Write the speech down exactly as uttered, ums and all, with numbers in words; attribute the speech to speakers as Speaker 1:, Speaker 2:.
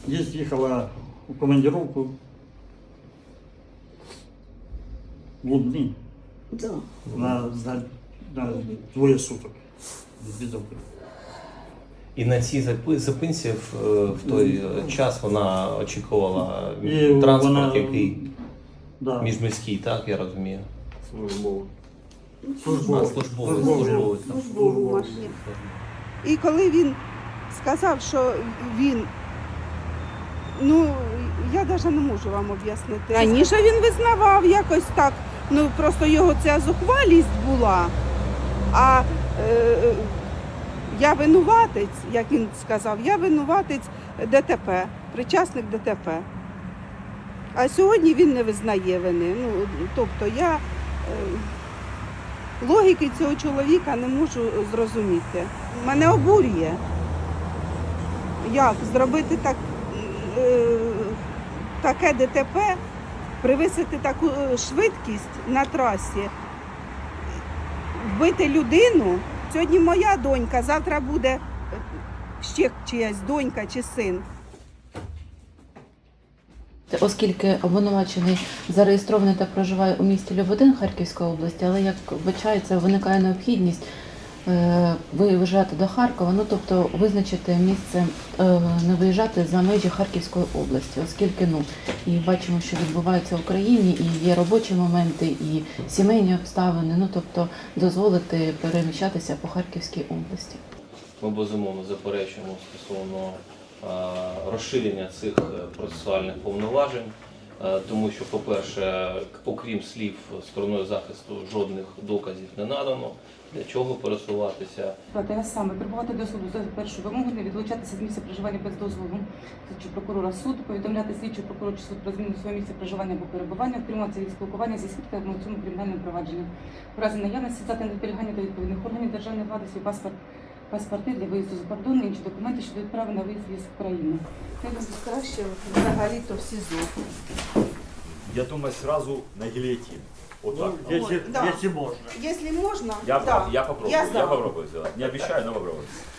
Speaker 1: Здесь ехала в командировку в Лубни
Speaker 2: Да.
Speaker 1: на, на, на двое суток. Без окна.
Speaker 3: І на цій запи- зупинці в, в той час вона очікувала
Speaker 1: І
Speaker 3: транспорт,
Speaker 1: вона-
Speaker 3: який
Speaker 1: Да.
Speaker 3: міжміський, так, я розумію.
Speaker 4: Службово.
Speaker 3: А,
Speaker 1: Службовий.
Speaker 3: службовий,
Speaker 1: Службовий.
Speaker 3: службовий. так.
Speaker 2: Службову машину. І коли він сказав, що він, ну, я навіть не можу вам об'яснити. Раніше він визнавав якось так, ну просто його ця зухвалість була. А е, я винуватець, як він сказав, я винуватець ДТП, причасник ДТП. А сьогодні він не визнає вини. Ну, тобто я е, логіки цього чоловіка не можу зрозуміти. Мене обурює. Як зробити так, е, таке ДТП, привисити таку е, швидкість на трасі, вбити людину. Сьогодні моя донька, завтра буде е, ще чиясь донька чи син.
Speaker 5: Оскільки обвинувачений зареєстрований та проживає у місті Люботин Харківської області, але, як вбачається, виникає необхідність е, виїжджати до Харкова, ну тобто визначити місце, е, не виїжджати за межі Харківської області, оскільки ну і бачимо, що відбувається в Україні, і є робочі моменти, і сімейні обставини, ну тобто дозволити переміщатися по Харківській області.
Speaker 3: Ми безумовно заперечуємо стосовно е, розширення цих е, процесуальних повноважень, е, тому що, по-перше, окрім слів стороною захисту, жодних доказів не надано, для чого пересуватися.
Speaker 6: Те саме прибувати до суду за першу вимогу, не відлучатися з місця проживання без дозволу слідчого прокурора суду, повідомляти слідчого прокурора чи суд про зміну свого місця проживання або перебування, утримуватися від спілкування зі свідками у цьому кримінальному провадженні. У разі наявності здати на зберігання до відповідних органів державної влади свій паспорт, паспорти для виїзду за кордон, інші документи щодо відправи на виїзд з України.
Speaker 2: Я думаю, краще взагалі-то в СІЗО.
Speaker 4: Я думаю, сразу на гильотин. Вот так.
Speaker 1: Ну, если,
Speaker 2: Да.
Speaker 1: если можно.
Speaker 2: Якщо можна,
Speaker 4: Я,
Speaker 2: да.
Speaker 4: я попробую,
Speaker 2: Я
Speaker 4: я,
Speaker 2: за.
Speaker 4: попробую сделать. Не обещаю, но попробую.